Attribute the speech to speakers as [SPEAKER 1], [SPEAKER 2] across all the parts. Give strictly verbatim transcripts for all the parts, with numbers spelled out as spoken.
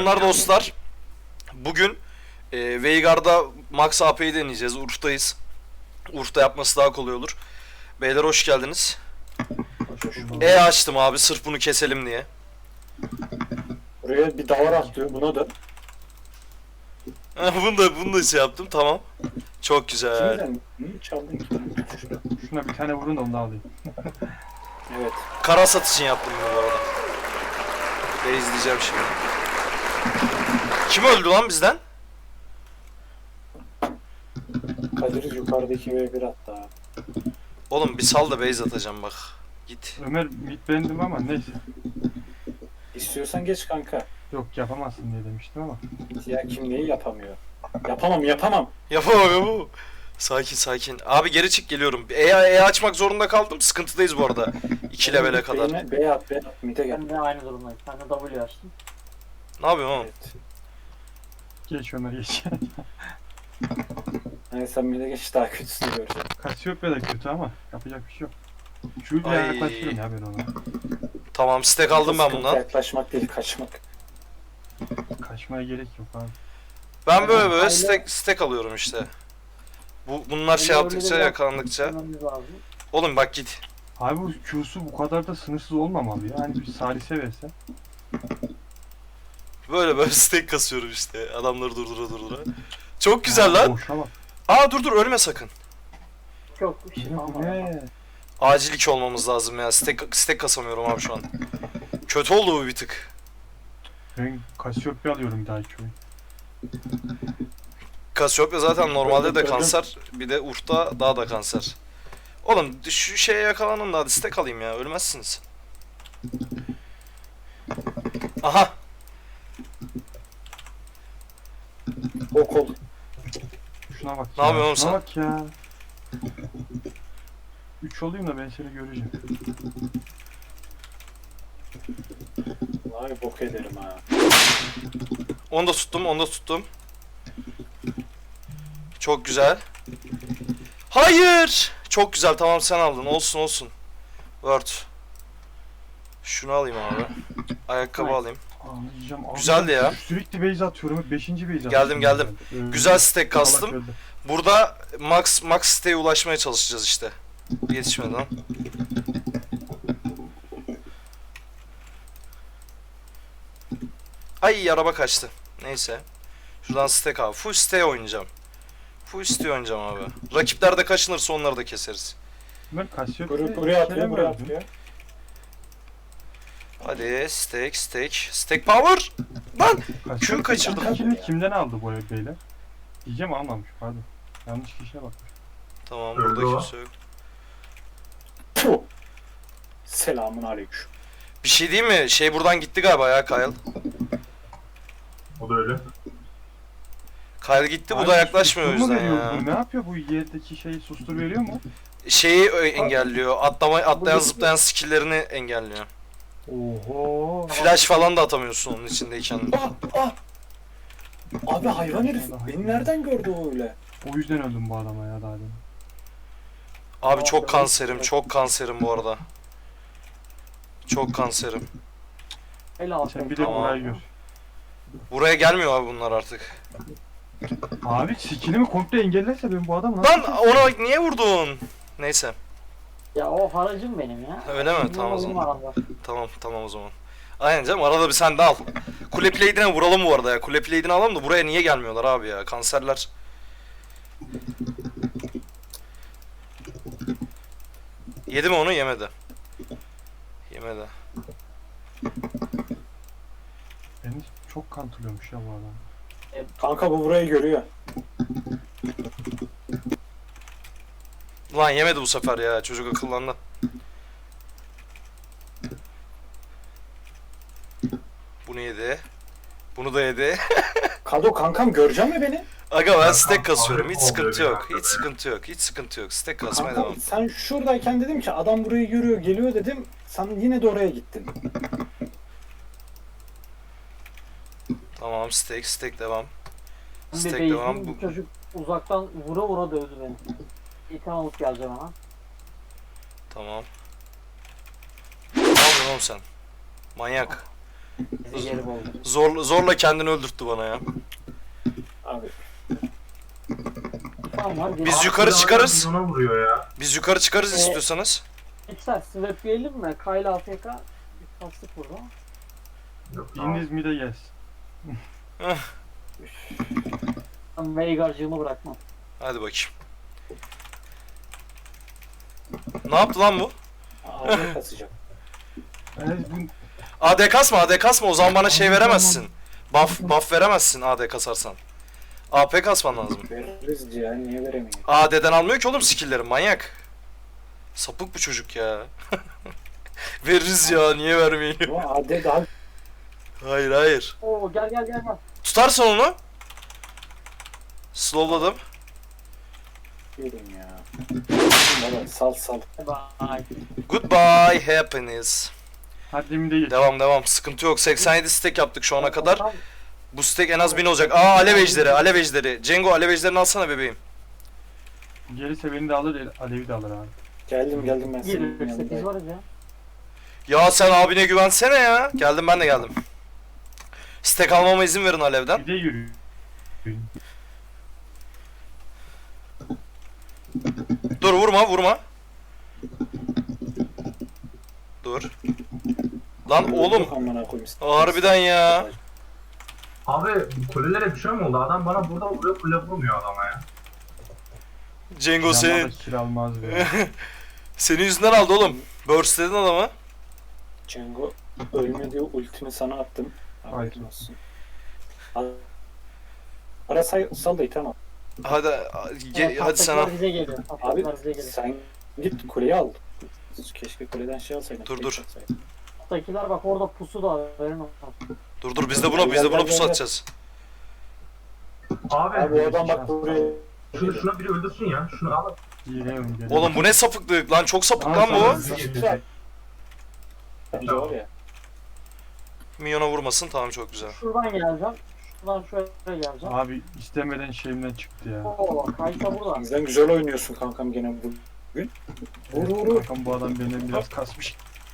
[SPEAKER 1] Selamlar dostlar. Bugün e, Veigar'da Max A P'yi deneyeceğiz. Urf'tayız. Urf'ta yapması daha kolay olur. Beyler hoş geldiniz. E açtım abi sırf bunu keselim diye.
[SPEAKER 2] Buraya bir davar atlıyor buna da.
[SPEAKER 1] bunu da bunu da şey yaptım, tamam. Çok güzel.
[SPEAKER 2] Kimden? Hı, çaldın ki.
[SPEAKER 3] Şuna bir tane vurun da onu da alayım.
[SPEAKER 2] Evet.
[SPEAKER 1] Kara satışın yaptım bunu bu arada. Ve izleyeceğim şimdi. Kim öldü lan bizden?
[SPEAKER 2] Kadir yukarıdaki ve bir hatta.
[SPEAKER 1] Oğlum bir sal da base atacağım bak. Git.
[SPEAKER 3] Ömer mid beğendim ama neyse.
[SPEAKER 2] İstiyorsan geç kanka.
[SPEAKER 3] Yok yapamazsın diye demiştim ama.
[SPEAKER 2] Ya kim neyi yapamıyor? Yapamam yapamam.
[SPEAKER 1] Yapamam yapamam. Sakin sakin. Abi geri çık, geliyorum. E, e açmak zorunda kaldım. Sıkıntıdayız bu arada. iki levele kadar.
[SPEAKER 2] Beyne, B'ye at B'ye at. Mid'e gel.
[SPEAKER 4] Ben de aynı durumdayım. Ben de W açtım.
[SPEAKER 1] Ne yapıyorsun oğlum?
[SPEAKER 2] Evet.
[SPEAKER 3] Geç Ömer geç.
[SPEAKER 2] Yani sen mid'e geç daha kötüsünü göreceksin.
[SPEAKER 3] Kasiyopya da kötü ama yapacak bir şey yok. Şu
[SPEAKER 1] Ay.
[SPEAKER 3] yaklaşıyorum ya ben ona.
[SPEAKER 1] Tamam, stack aldım ben
[SPEAKER 2] Sıkıntı
[SPEAKER 1] bundan.
[SPEAKER 2] Yaklaşmak değil kaçmak.
[SPEAKER 3] Kaçmaya gerek yok abi.
[SPEAKER 1] Ben böyle böyle
[SPEAKER 4] Aile-
[SPEAKER 1] stack, stack alıyorum işte. Bu bunlar şey
[SPEAKER 4] Aile
[SPEAKER 1] yaptıkça,
[SPEAKER 4] öyle
[SPEAKER 1] yakalandıkça.
[SPEAKER 4] Yapmamız lazım.
[SPEAKER 1] Oğlum bak git.
[SPEAKER 3] Abi bu Q'su bu kadar da sınırsız olmamalı ya. Hani bir salise verse.
[SPEAKER 1] Böyle böyle stack kasıyorum işte. Adamları durdura durdura. Çok güzel
[SPEAKER 3] Aa,
[SPEAKER 1] lan.
[SPEAKER 3] Boşa bak.
[SPEAKER 1] Aa dur dur, ölme sakın.
[SPEAKER 4] Çok bir şey
[SPEAKER 3] Ne bu
[SPEAKER 4] kalmadı.
[SPEAKER 3] ne?
[SPEAKER 1] Acil iki olmamız lazım ya. Stack, stack kasamıyorum abi şu an. Kötü oldu bu bir tık.
[SPEAKER 3] Ben Kasiyopya alıyorum bir dahaki oyun.
[SPEAKER 1] Cassiopeia zaten normalde de
[SPEAKER 2] Öldüm, öldüm.
[SPEAKER 1] kanser. Bir de Urf'ta daha da kanser. Oğlum şu şeye yakalanın da hadi stack alayım ya. Ölmezsiniz. Aha.
[SPEAKER 2] O kol.
[SPEAKER 3] Şuna bak
[SPEAKER 1] Ne
[SPEAKER 3] ya.
[SPEAKER 1] yapıyorsun
[SPEAKER 3] Şuna
[SPEAKER 1] sen?
[SPEAKER 3] bak ya. üç olayım da ben seni göreceğim.
[SPEAKER 2] Vay bok ederim ha.
[SPEAKER 1] Onu da tuttum, onu da tuttum. Çok güzel. Hayır. Çok güzel, tamam sen aldın. Olsun olsun. Word. Şunu alayım abi. Ayakkabı
[SPEAKER 4] Nice.
[SPEAKER 1] alayım.
[SPEAKER 3] Anlayacağım.
[SPEAKER 1] Güzeldi ya.
[SPEAKER 3] Sürekli base atıyorum. beşinci base atıyorum.
[SPEAKER 1] Geldim, geldim.
[SPEAKER 3] Öldü.
[SPEAKER 1] Güzel stack
[SPEAKER 3] Salak
[SPEAKER 1] kastım.
[SPEAKER 3] öldü.
[SPEAKER 1] Burada max max stack'e ulaşmaya çalışacağız işte. Yetişmedi lan. Ay araba kaçtı. Neyse. Şuradan stack abi. Full stack oynayacağım. Full stack oynayacağım abi. Rakipler de kaçınırsa onları da keseriz.
[SPEAKER 3] Ömer Kasiyopya
[SPEAKER 2] Buraya, buraya atıyor buraya atıyor.
[SPEAKER 1] Hadi stack stack. Stack power. Lan. Kül kaçırdım.
[SPEAKER 3] Kaçırdım. Kimden aldı bu ev beyler? Diyeceğim almamış pardon. Yanlış kişiye bakmış.
[SPEAKER 1] Tamam,
[SPEAKER 5] Öldü
[SPEAKER 1] burada
[SPEAKER 5] o.
[SPEAKER 1] kimse yok.
[SPEAKER 2] Puh. Selamun aleyküm.
[SPEAKER 1] Bir şey değil mi? Şey buradan gitti galiba ya Kyle.
[SPEAKER 5] O da öyle.
[SPEAKER 1] Kyle gitti, bu
[SPEAKER 3] Abi,
[SPEAKER 1] da yaklaşmıyor o
[SPEAKER 3] sustur mu
[SPEAKER 1] yüzden
[SPEAKER 3] veriyor
[SPEAKER 1] ya.
[SPEAKER 3] bu? Ne yapıyor bu yerdeki şeyi sustur veriyor mu?
[SPEAKER 1] Şeyi ö- engelliyor. Atlama, atlayan
[SPEAKER 4] Buradaki-
[SPEAKER 1] zıplayan skill'lerini engelliyor.
[SPEAKER 3] Oho.
[SPEAKER 1] Flash falan da atamıyorsun onun içindeyken.
[SPEAKER 2] Ah ah. Abi hayvan herif beni nereden gördü o öyle?
[SPEAKER 3] O yüzden öldüm bu adama ya daha demin.
[SPEAKER 1] Abi çok kanserim, çok kanserim bu arada. Çok kanserim.
[SPEAKER 4] El altı.
[SPEAKER 3] Sen bir de
[SPEAKER 1] Tamam.
[SPEAKER 3] burayı gör.
[SPEAKER 1] Buraya gelmiyor abi bunlar artık.
[SPEAKER 3] Abi skillimi komple engellerse ben bu adamı
[SPEAKER 1] Lan ona niye vurdun? Neyse.
[SPEAKER 4] Ya o haracım benim ya.
[SPEAKER 1] Öyle mi?
[SPEAKER 4] Benim
[SPEAKER 1] Tamam o
[SPEAKER 4] oyunum
[SPEAKER 1] zaman.
[SPEAKER 4] var arada.
[SPEAKER 1] Tamam tamam o zaman. Aynen canım, arada bir sen de al. Kule plate'ine vuralım bu arada ya. Kule plate'ini alalım da buraya niye gelmiyorlar abi ya? Kanserler. Yedi mi onu? Yemedi. Yemedi.
[SPEAKER 3] Beni çok kantırıyormuş ya bu adam.
[SPEAKER 2] Kanka bu burayı görüyor.
[SPEAKER 1] Lan yemedi bu sefer ya. Çocuk akıllandı. Bunu yedi. Bunu da yedi.
[SPEAKER 2] Kado kankam görecek mi beni?
[SPEAKER 1] Aga ben
[SPEAKER 5] Kankam,
[SPEAKER 1] stack kasıyorum. Hiç
[SPEAKER 5] abi,
[SPEAKER 1] sıkıntı
[SPEAKER 5] oluyor
[SPEAKER 1] yok.
[SPEAKER 5] ya.
[SPEAKER 1] Hiç sıkıntı yok. Hiç sıkıntı yok. Stack kasmaya
[SPEAKER 2] Kankam
[SPEAKER 1] devam.
[SPEAKER 2] sen şuradayken dedim ki adam burayı görüyor geliyor dedim. Sen yine de oraya gittin.
[SPEAKER 1] Tamam, stack stack devam.
[SPEAKER 4] Bir
[SPEAKER 1] Stack
[SPEAKER 4] base'in
[SPEAKER 1] devam. Bu...
[SPEAKER 4] bir çocuk uzaktan vura vura dövdü beni. İlkan alıp geleceğim hemen.
[SPEAKER 1] Tamam. Ne yapıyorsun oğlum sen? Manyak.
[SPEAKER 4] Bizi geri buldu.
[SPEAKER 1] Zor, zorla kendini öldürttü bana ya.
[SPEAKER 2] Abi
[SPEAKER 4] Tamam var.
[SPEAKER 1] Biz
[SPEAKER 4] Abi,
[SPEAKER 1] yukarı çıkarız.
[SPEAKER 5] Ona vuruyor ya.
[SPEAKER 1] Biz yukarı çıkarız
[SPEAKER 4] Ee,
[SPEAKER 1] istiyorsanız.
[SPEAKER 4] Geçer. Swap yiyelim mi? Kayla A F K. Bir kastık burada.
[SPEAKER 5] Yok, tamam.
[SPEAKER 3] İniz mide gelsin.
[SPEAKER 4] Ben Veigar'cığımı bırakmam.
[SPEAKER 1] Hadi bakayım. Ne yaptı lan bu?
[SPEAKER 2] abi kasacak.
[SPEAKER 3] Evet, bu
[SPEAKER 1] A D kasma, A D kasma. O zaman bana şey veremezsin. Buff, buff veremezsin A D kasarsan. A P kasman lazım.
[SPEAKER 2] Veririz ya, niye veremiyor?
[SPEAKER 1] A D'den almıyor ki oğlum skill'leri, manyak. Sapık bu çocuk ya. Veririz ya, niye vermeyin?
[SPEAKER 2] Ama A D daha
[SPEAKER 1] Hayır hayır.
[SPEAKER 4] Oo gel gel gel. gel.
[SPEAKER 1] Tutarsan onu. Slowladım.
[SPEAKER 2] yerim ya. Baba sal sal.
[SPEAKER 4] Bye.
[SPEAKER 1] Goodbye happiness.
[SPEAKER 3] hadi mide geç.
[SPEAKER 1] Devam devam, sıkıntı yok. seksen yedi stack yaptık şu ana kadar.
[SPEAKER 4] Tam
[SPEAKER 1] Bu stack en az bin olacak. Aa, alev ejderi, alev ejderi. Cengo, alev ejderini alsana bebeğim.
[SPEAKER 3] Gelirse beni de alır, Alev'i de alır abi.
[SPEAKER 2] Geldim geldim ben senin
[SPEAKER 4] yirmi sekiz
[SPEAKER 2] yanına.
[SPEAKER 4] varız ya.
[SPEAKER 1] Ya sen abine güvensene ya. Geldim, ben de geldim. Stack almama izin verin alevden.
[SPEAKER 3] Bir de yürü.
[SPEAKER 1] Dur, vurma vurma. Dur. Lan oğlum.
[SPEAKER 2] Amına koyayım.
[SPEAKER 1] Harbiden ya.
[SPEAKER 5] Abi bu kulelere bir şey mi oldu? Adam bana burada vuruyor, kule vurmuyor adama ya.
[SPEAKER 1] Cengo
[SPEAKER 3] Yanına
[SPEAKER 1] senin.
[SPEAKER 3] da kill almaz be.
[SPEAKER 1] Senin yüzünden aldı oğlum. Burstledin adamı.
[SPEAKER 2] Cengo ölme diye ultimi sana attım.
[SPEAKER 3] Hayır.
[SPEAKER 2] Haberin olsun. Al. Ara say, sal da tamam.
[SPEAKER 1] Hadi ge- hadi sana.
[SPEAKER 4] Patlatılar bize geliyor.
[SPEAKER 2] Abi
[SPEAKER 4] Patlatılar bize geliyor.
[SPEAKER 2] sen git kuleyi al. Keşke kuleden şey alsaydın.
[SPEAKER 1] Dur,
[SPEAKER 2] tek
[SPEAKER 1] dur.
[SPEAKER 2] atsaydın.
[SPEAKER 4] Patlatılar bak orada pusu da haberin olsun.
[SPEAKER 1] Dur dur, biz de buna biz de buna pusu atacağız.
[SPEAKER 5] Abi,
[SPEAKER 2] Abi o adam bak buraya.
[SPEAKER 5] şunu, şuna biri öldürsün ya. Şunu al.
[SPEAKER 3] Geliyorum geliyorum.
[SPEAKER 1] Oğlum bu ne sapıklık lan, çok sapık lan bu.
[SPEAKER 2] Bence var ya.
[SPEAKER 1] Minyona vurmasın, tamam, çok güzel.
[SPEAKER 4] Şuradan geleceğim. Şuradan şöyle geleceğim.
[SPEAKER 3] Abi istemeden şeyimden çıktı ya.
[SPEAKER 4] Oo Kaysa burada.
[SPEAKER 2] Bizden güzel oynuyorsun kankam gene bugün. Vur vur vur.
[SPEAKER 3] Kankam bu adam beni biraz kasmış.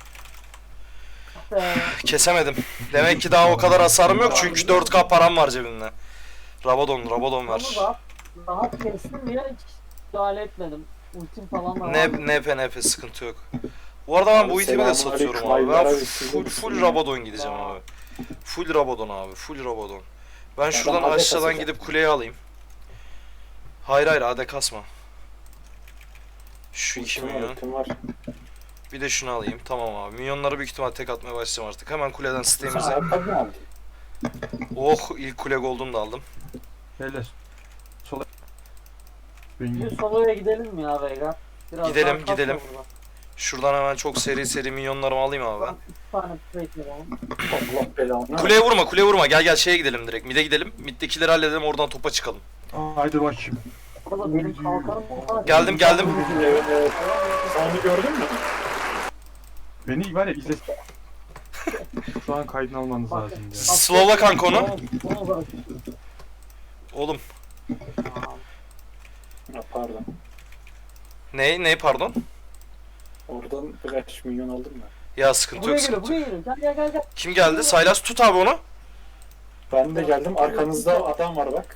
[SPEAKER 4] Ee,
[SPEAKER 1] Kesemedim. Demek ki daha o kadar hasarım yok çünkü dört K param var cebimde. Rabadon, Rabadon ver.
[SPEAKER 4] onu da rahat kestim ya hiç müdahale etmedim. Ultim falan da var.
[SPEAKER 1] Ne NP NP sıkıntı yok. Bu arada ben bu
[SPEAKER 2] Abi
[SPEAKER 1] itemi de
[SPEAKER 2] selamünaleyküm,
[SPEAKER 1] satıyorum abi. Ben
[SPEAKER 2] hayırlara
[SPEAKER 1] full,
[SPEAKER 2] vesile
[SPEAKER 1] full
[SPEAKER 2] olsun.
[SPEAKER 1] Rabadon gideceğim abi. Full Rabadon abi, full Rabadon. Ben şuradan
[SPEAKER 2] A D
[SPEAKER 1] aşağıdan
[SPEAKER 2] kasacak.
[SPEAKER 1] gidip kuleye alayım. Hayır hayır, A D kasma. Şu iki
[SPEAKER 2] Ultim var,
[SPEAKER 1] milyon.
[SPEAKER 2] ultim var.
[SPEAKER 1] Bir de şunu alayım. Tamam abi. Milyonları büyük ihtimal tek atmaya başlayacağım artık. Hemen kuleden
[SPEAKER 2] Sen
[SPEAKER 1] sitemize.
[SPEAKER 2] ayakkabı mı aldın?
[SPEAKER 1] Oh, ilk kule gold'umu da aldım.
[SPEAKER 3] Beyler. Sola. Ben
[SPEAKER 4] Bir soloya gidelim mi ya Veigar? Biraz
[SPEAKER 1] Gidelim,
[SPEAKER 4] daha kasma
[SPEAKER 1] gidelim.
[SPEAKER 4] burada.
[SPEAKER 1] Şuradan hemen çok seri seri milyonlarımı alayım abi ben.
[SPEAKER 4] İki tane plate yapalım.
[SPEAKER 2] Allah belanı.
[SPEAKER 1] Kuleye vurma, kuleye vurma. Gel gel şeye gidelim direkt. Mid'e gidelim. Mid'dekileri halledelim, oradan topa çıkalım.
[SPEAKER 3] Haydi bakayım.
[SPEAKER 4] Burada benim kalkanım var.
[SPEAKER 1] Geldim, geldim.
[SPEAKER 2] Evet evet. Sen onu gördün mü?
[SPEAKER 3] Beni var ya izle. Şu an kaydını almanız
[SPEAKER 4] Bak,
[SPEAKER 3] lazım ya.
[SPEAKER 1] Slowla kanka onu.
[SPEAKER 4] Onu bırak.
[SPEAKER 1] Oğlum.
[SPEAKER 4] Tamam.
[SPEAKER 2] Ha, pardon.
[SPEAKER 1] Ne? Ne pardon?
[SPEAKER 2] Oradan birkaç milyon aldın mı?
[SPEAKER 1] Ya sıkıntı
[SPEAKER 4] Buraya
[SPEAKER 1] yok,
[SPEAKER 4] geliyor,
[SPEAKER 1] sıkıntı
[SPEAKER 4] buraya
[SPEAKER 1] yok.
[SPEAKER 4] geliyor. Gel gel gel gel.
[SPEAKER 1] Kim geldi? Saylas tut abi onu.
[SPEAKER 2] Ben de geldim. Arkanızda adam var bak.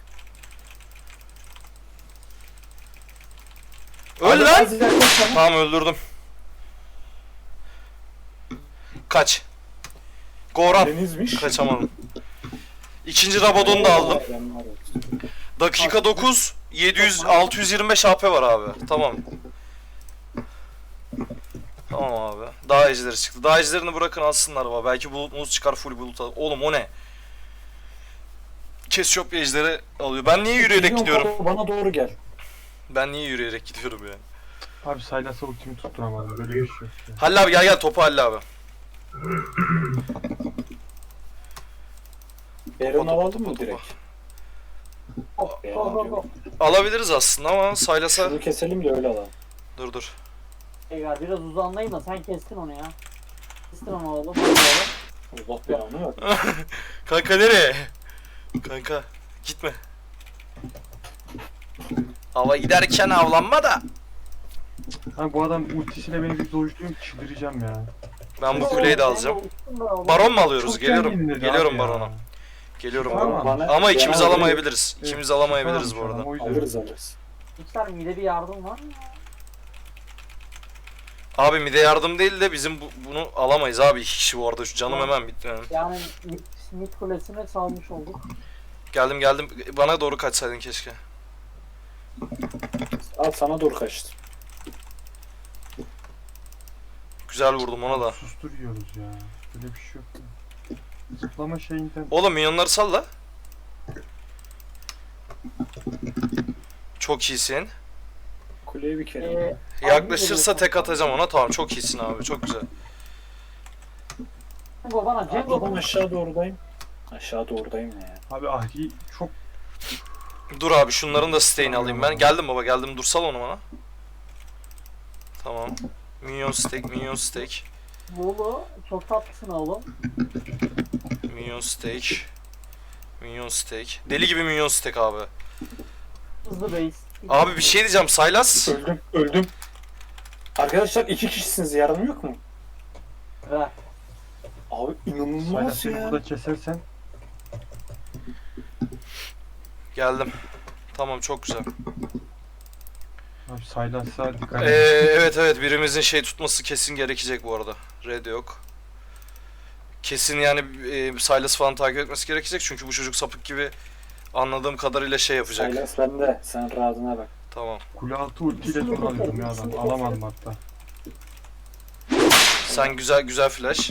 [SPEAKER 1] Öl
[SPEAKER 2] Abi,
[SPEAKER 1] lan.
[SPEAKER 2] az ileride sana-
[SPEAKER 1] Tamam, öldürdüm. Kaç. Goran.
[SPEAKER 2] Denizmiş.
[SPEAKER 1] Kaçamadım. İkinci Rabadon'u da aldım.
[SPEAKER 2] Ben var ya.
[SPEAKER 1] Dakika dokuz. yedi yüz altı yüz yirmi beş H P var abi. Tamam. Tamam abi. Daha ejderi çıktı. Daha ejderini bırakın alsınlar baba. Belki bulutumuz çıkar, full bulut al. Oğlum o ne? Kesiyop ejderi alıyor. Ben niye yürüyerek
[SPEAKER 2] Milyon
[SPEAKER 1] gidiyorum?
[SPEAKER 2] kafa Bana doğru gel.
[SPEAKER 1] Ben niye yürüyerek gidiyorum ya?
[SPEAKER 3] Abi Saylas'a ultimi tutturamadım. Böyle bir şey yok ya.
[SPEAKER 1] Halil abi gel gel, topu Halil abi.
[SPEAKER 2] Baron
[SPEAKER 1] Topa,
[SPEAKER 2] alalım
[SPEAKER 1] topa,
[SPEAKER 2] mı
[SPEAKER 1] topa.
[SPEAKER 2] direkt?
[SPEAKER 4] Go go go go.
[SPEAKER 1] Alabiliriz aslında ama Saylas'a...
[SPEAKER 2] Şunu keselim de öyle alalım.
[SPEAKER 1] Dur dur.
[SPEAKER 4] Veigar biraz uzanlayayım da sen kestin onu ya. Kestin onu oğlum. Hadi oğlum.
[SPEAKER 2] Allah belanı ver.
[SPEAKER 1] Kanka nereye? Kanka gitme. Hava giderken avlanma da.
[SPEAKER 3] Abi bu adam ultisiyle beni bir dojluyor, çıldıracağım ya.
[SPEAKER 1] Ben bu kuleyi de alacağım.
[SPEAKER 4] Baron.
[SPEAKER 1] Baron mu alıyoruz?
[SPEAKER 3] Çok
[SPEAKER 1] Geliyorum.
[SPEAKER 3] kendin dedi
[SPEAKER 1] Geliyorum
[SPEAKER 3] abi ya.
[SPEAKER 1] barona. Geliyorum
[SPEAKER 3] Tamam.
[SPEAKER 1] barona.
[SPEAKER 2] Bana-
[SPEAKER 1] Ama ikimiz
[SPEAKER 2] bana-
[SPEAKER 1] alamayabiliriz. İkimiz alamayabiliriz bu
[SPEAKER 3] Tamam,
[SPEAKER 1] arada.
[SPEAKER 3] o yüzden.
[SPEAKER 2] Alırız alırız.
[SPEAKER 4] Mikser mide bir yardım var mı ya?
[SPEAKER 1] Abi mide yardım değil de bizim bu- bunu alamayız abi. İki kişi bu arada. Şu canım hemen bitti. Yani.
[SPEAKER 4] Yani mid, mid kulesine salmış olduk.
[SPEAKER 1] Geldim geldim. Bana doğru kaçsaydın keşke.
[SPEAKER 2] Al sana doğru kaçtı.
[SPEAKER 1] Güzel vurdum ona da.
[SPEAKER 3] Sustur yiyoruz ya. Böyle bir şey yok. ya. Zıplama şeyinden.
[SPEAKER 1] Oğlum minyonları salla. Çok iyisin.
[SPEAKER 2] Kuleye bir kere.
[SPEAKER 4] Ee,
[SPEAKER 1] Yaklaşırsa tek atacağım ona. Tamam çok iyisin abi. Çok güzel.
[SPEAKER 4] Cengo bana Cengo
[SPEAKER 2] Atladım
[SPEAKER 4] bana.
[SPEAKER 2] aşağı doğrudayım. Aşağı doğrudayım ne ya?
[SPEAKER 3] Abi Ahri çok
[SPEAKER 1] Dur abi şunların da stay'ini alayım ben. Geldim baba geldim. Dur sal onu bana. Tamam. Minyon steak, minyon steak.
[SPEAKER 4] Oğlum çok tatlısın oğlum.
[SPEAKER 1] Minyon steak. Minyon steak. Deli gibi minyon steak abi.
[SPEAKER 4] Hızlı base.
[SPEAKER 1] Abi bir şey diyeceğim. Saylas.
[SPEAKER 2] Öldüm öldüm. Arkadaşlar iki kişisiniz, yardım yok mu?
[SPEAKER 4] Ver.
[SPEAKER 2] Abi inanılmaz
[SPEAKER 3] Saylasını
[SPEAKER 2] ya.
[SPEAKER 3] burada kesersen
[SPEAKER 1] Geldim. Tamam çok güzel.
[SPEAKER 3] abi Saylas'a dikkat
[SPEAKER 1] Ee,
[SPEAKER 3] edin.
[SPEAKER 1] evet evet birimizin şey tutması kesin gerekecek bu arada. Red yok. Kesin yani e, Silas falan takip etmesi gerekecek çünkü bu çocuk sapık gibi anladığım kadarıyla şey yapacak.
[SPEAKER 2] Saylas bende. Sen rahatına bak.
[SPEAKER 1] Tamam.
[SPEAKER 3] Kule altı ultiyle son alıyorum ya adam. Alamadım hatta.
[SPEAKER 1] Sen güzel güzel flash.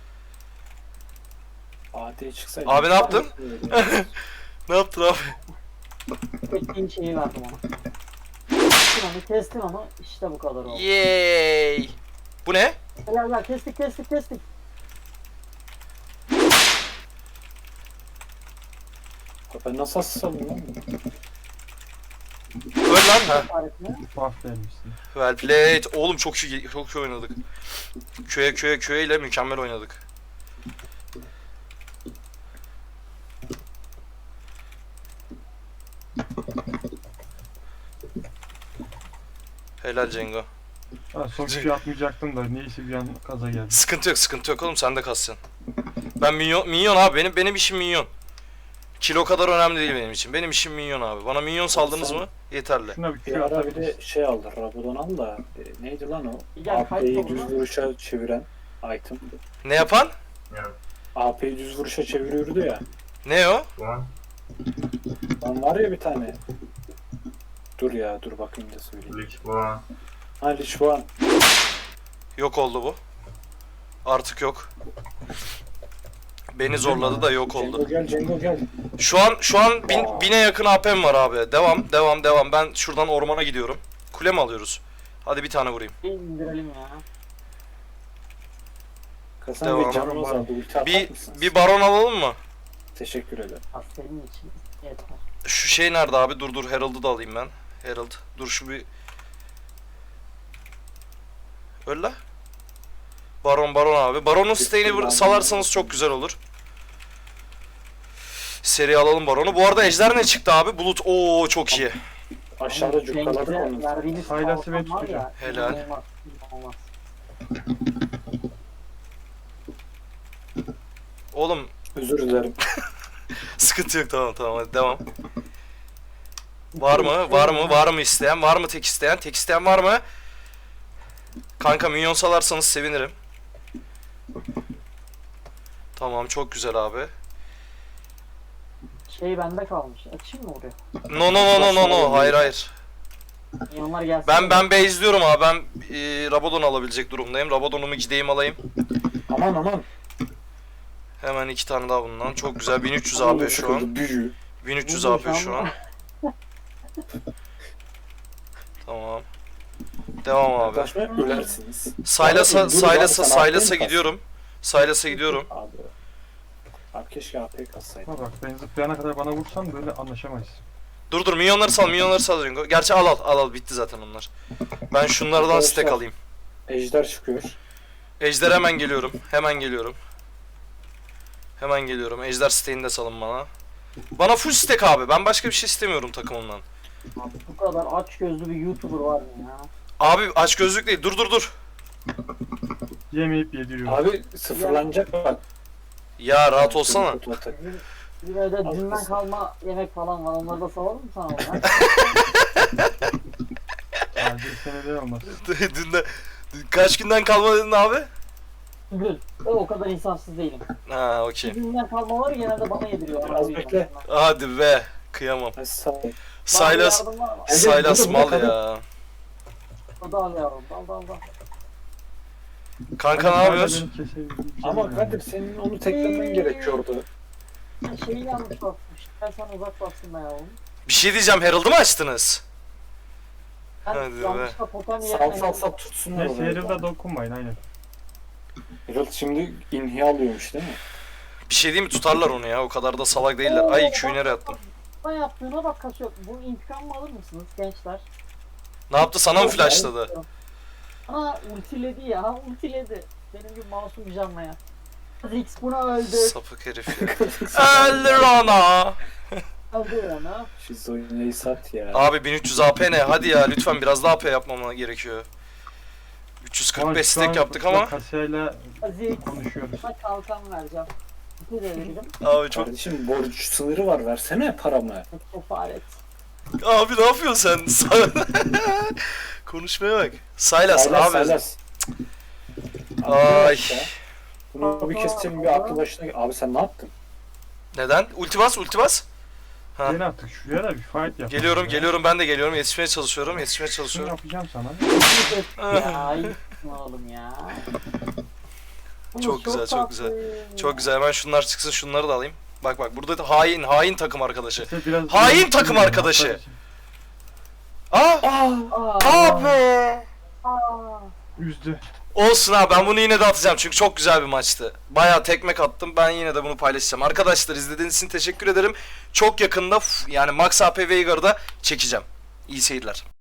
[SPEAKER 2] A D'ye çıksaydı.
[SPEAKER 1] Abi ne yaptın? Ne yaptın abi?
[SPEAKER 4] Bekleyin şeyi verdim ona. Kestin onu kestin onu. İşte bu kadar oldu.
[SPEAKER 1] Yay! Bu ne?
[SPEAKER 4] Gel gel kestik kestik kestik.
[SPEAKER 2] Ben nasıl asıl alayım lan?
[SPEAKER 1] Öl lan ha.
[SPEAKER 4] Tarifini.
[SPEAKER 3] Buff vermişsin.
[SPEAKER 1] Well played. Oğlum çok iyi çok iyi oynadık. Köye köye köye ile mükemmel oynadık. Helal Cengo.
[SPEAKER 3] Ha, son kişi atmayacaktım da neyse bir an kaza geldi.
[SPEAKER 1] Sıkıntı yok, sıkıntı yok oğlum sen de kasacaksın. Ben minyon, minyon abi benim benim işim minyon. Kilo kadar önemli değil benim için. Benim işim minyon abi. Bana minyon saldınız
[SPEAKER 2] Sen-
[SPEAKER 1] mı? Yeterli.
[SPEAKER 3] Şuna bir
[SPEAKER 2] Bir
[SPEAKER 3] Q
[SPEAKER 2] ara bir
[SPEAKER 3] atabilirsin.
[SPEAKER 2] de şey aldı. Rabadon al da. e, neydi lan o?
[SPEAKER 4] Gel
[SPEAKER 2] A P'yi
[SPEAKER 4] kayıt
[SPEAKER 2] düz
[SPEAKER 4] oldu.
[SPEAKER 2] vuruşa çeviren item.
[SPEAKER 1] Ne yapan?
[SPEAKER 5] Yani
[SPEAKER 2] A P'yi düz vuruşa çeviriyordu ya.
[SPEAKER 1] Ne o?
[SPEAKER 5] şu an
[SPEAKER 2] Lan var ya bir tane. Dur ya dur bakayım da söyleyeyim.
[SPEAKER 5] lig bu an.
[SPEAKER 2] Hadi şu an.
[SPEAKER 1] Yok oldu bu. Artık yok. Beni zorladı da yok oldu.
[SPEAKER 2] Cengo gel Cengo gel.
[SPEAKER 1] Şu an şu an bin, bine yakın A P'm var abi. Devam devam devam. Ben şuradan ormana gidiyorum. Kule mi alıyoruz? Hadi bir tane vurayım.
[SPEAKER 4] Bir indirelim ya.
[SPEAKER 2] Kasan
[SPEAKER 1] Devam.
[SPEAKER 2] Bey canım azaldı. Ulti atar
[SPEAKER 1] Bir
[SPEAKER 2] mısınız?
[SPEAKER 1] bir baron alalım mı?
[SPEAKER 2] Teşekkür ederim.
[SPEAKER 4] Az senin için yeter.
[SPEAKER 1] Şu şey nerede abi? Dur dur Herald'ı da alayım ben. Herald. Dur şu bir... Öl la. Baron baron abi. Baron'un stay'ini vur- salarsanız çok güzel olur. Seri alalım baronu. Bu arada ejder ne çıktı abi? Bulut. Oo çok iyi.
[SPEAKER 2] Aşağıda cukkaladık
[SPEAKER 4] Cenk'e
[SPEAKER 2] onu.
[SPEAKER 4] verdiğiniz
[SPEAKER 3] Faydası
[SPEAKER 4] kalkan
[SPEAKER 3] ve
[SPEAKER 4] var
[SPEAKER 3] tutacağım.
[SPEAKER 4] ya,
[SPEAKER 1] Helal.
[SPEAKER 4] inanılmaz, inanılmaz.
[SPEAKER 1] Oğlum
[SPEAKER 2] Özür dilerim.
[SPEAKER 1] sıkıntı yok tamam tamam hadi devam. Var mı? Var mı? Var mı isteyen? Var mı tek isteyen? Tek isteyen var mı? Kanka minyon salarsanız sevinirim. Tamam çok güzel abi.
[SPEAKER 4] Şey bende kalmış. Açayım mı oraya?
[SPEAKER 1] No no no no no no. Hayır hayır.
[SPEAKER 4] Milyonlar gelsin.
[SPEAKER 1] Ben ben base'liyorum abi. Ben e, Rabadon alabilecek durumdayım. Rabadon'umu gideyim alayım.
[SPEAKER 2] Aman aman.
[SPEAKER 1] Hemen iki tane daha bundan. Çok güzel. bin üç yüz A P şu an.
[SPEAKER 2] Büyü.
[SPEAKER 1] bin üç yüz
[SPEAKER 4] Buldum
[SPEAKER 1] A P
[SPEAKER 4] şu
[SPEAKER 1] şu
[SPEAKER 4] an.
[SPEAKER 1] an. Tamam. Devam abi.
[SPEAKER 2] Yaklaşmaya ölersiniz.
[SPEAKER 1] Saylas'a
[SPEAKER 2] Abi, dur
[SPEAKER 1] Saylas'a
[SPEAKER 2] abi, sen
[SPEAKER 1] Saylas'a
[SPEAKER 2] A P 'yi
[SPEAKER 1] gidiyorum. Saylas'a gidiyorum.
[SPEAKER 2] Abi. Abi keşke A P kassaydım.
[SPEAKER 3] Ha bak ben zıplayana kadar bana vursan böyle anlaşamayız.
[SPEAKER 1] Dur dur minyonları sal minyonları sal Ringo. Gerçi al al al al bitti zaten onlar. Ben şunlardan
[SPEAKER 2] Arkadaşlar.
[SPEAKER 1] stack alayım.
[SPEAKER 2] Ejder çıkıyor.
[SPEAKER 1] Ejder hemen geliyorum. Hemen geliyorum. Hemen geliyorum. Ejder stack'ini de salın bana. Bana full stack abi. Ben başka bir şey istemiyorum takımımdan.
[SPEAKER 4] Abi bu kadar aç gözlü bir YouTuber var mı ya?
[SPEAKER 1] Abi aç gözlük değil. Dur dur dur.
[SPEAKER 3] Yemeyip yediriyor.
[SPEAKER 2] Abi sıfırlanacak bak.
[SPEAKER 1] Ya rahat olsana.
[SPEAKER 4] Bizim, bizim evde dünden kalma yemek falan var. Onları da salalım mı sana oradan?
[SPEAKER 3] Yani bir senede olmaz.
[SPEAKER 1] Dün de kaç günden kalma dedin abi?
[SPEAKER 4] Gül. Ben o kadar insansız değilim.
[SPEAKER 1] Ha okey.
[SPEAKER 4] Dünden kalmaları genelde bana yediriyor.
[SPEAKER 2] Az bekle.
[SPEAKER 1] Hadi be. Kıyamam.
[SPEAKER 2] Hadi sağ ol.
[SPEAKER 1] Saylas
[SPEAKER 2] Hadi,
[SPEAKER 1] Saylas
[SPEAKER 2] burada,
[SPEAKER 1] mal
[SPEAKER 2] burada,
[SPEAKER 1] ya.
[SPEAKER 4] Dal yavrum. Dal dal dal.
[SPEAKER 1] Kanka ne yapıyorsun?
[SPEAKER 3] Beni kesebildiğim bir şey
[SPEAKER 2] Ama
[SPEAKER 3] yok
[SPEAKER 2] Kadir senin onu teklemen gerekiyordu.
[SPEAKER 4] Ben şeyi yanlış basmış. Ben sana uzak bastım ben yavrum.
[SPEAKER 1] Bir şey diyeceğim. Herald'ı mı açtınız?
[SPEAKER 4] Ben
[SPEAKER 1] Hadi be.
[SPEAKER 4] yanlışlıkla potam
[SPEAKER 2] Sal
[SPEAKER 4] yerine...
[SPEAKER 2] sal sal tutsunlar
[SPEAKER 3] Neyse
[SPEAKER 2] orayı.
[SPEAKER 3] Herald'a dokunmayın aynen.
[SPEAKER 2] Herald şimdi inhiya alıyormuş değil mi?
[SPEAKER 1] Bir şey diyeyim mi? Tutarlar onu ya. O kadar da salak değiller. Ay Q'yu nereye attım?
[SPEAKER 4] Ben yaptığına bak kaçıyor. Bu intikam mı alır mısınız gençler?
[SPEAKER 1] Ne yaptı? Sana mı flashladı?
[SPEAKER 4] Ana ultiledi ya. Ultiledi. Benim gibi masum bir canla ya. Zix buna öldü.
[SPEAKER 1] Sapık herif ya. Öldür ona.
[SPEAKER 4] Öldü ona.
[SPEAKER 2] Şu Zoyne'yi sat ya.
[SPEAKER 1] Abi bin üç yüz A P ne? Hadi ya lütfen biraz daha A P yapmama gerekiyor. üç yüz kırk beş
[SPEAKER 3] Şu an
[SPEAKER 1] stack yaptık ama.
[SPEAKER 3] Kasya'yla
[SPEAKER 4] Zix.
[SPEAKER 3] konuşuyoruz.
[SPEAKER 4] Sana kalkan vereceğim. Bir de veririm.
[SPEAKER 1] Abi çok...
[SPEAKER 2] Kardeşim borç sınırı var, versene paramı.
[SPEAKER 4] Kefaret.
[SPEAKER 1] Abi ne yapıyorsun sen? Konuşmaya bak. Saylas ne yapıyorsun?
[SPEAKER 2] Saylas.
[SPEAKER 1] Ay.
[SPEAKER 2] Bunu bir keseceğim, bir aklı başına... Abi sen ne yaptın?
[SPEAKER 1] Neden? Ulti bas, ulti bas. Ha.
[SPEAKER 3] Gel artık şuraya da bir fight yap.
[SPEAKER 1] Geliyorum, geliyorum. Ben de geliyorum. Yetişmeye çalışıyorum. Yetişmeye
[SPEAKER 3] Şunu
[SPEAKER 1] çalışıyorum.
[SPEAKER 3] yapacağım sana.
[SPEAKER 4] Ya iyisin oğlum ya. Oğlum,
[SPEAKER 1] Çok güzel, çok
[SPEAKER 4] tatlı.
[SPEAKER 1] güzel. Çok güzel. Hemen şunlar çıksın. Şunları da alayım. Bak bak. Burada da hain, hain takım arkadaşı.
[SPEAKER 3] İşte biraz
[SPEAKER 1] Hain takım arkadaşı. Aa!
[SPEAKER 4] Aa,
[SPEAKER 1] Abi!
[SPEAKER 4] aa.
[SPEAKER 3] Üzdü.
[SPEAKER 1] Olsun abi, ben bunu yine de atacağım çünkü çok güzel bir maçtı. Bayağı tekmek attım, ben yine de bunu paylaşacağım. Arkadaşlar izlediğiniz için teşekkür ederim. Çok yakında f- yani Max A P Veigar'da çekeceğim. İyi seyirler.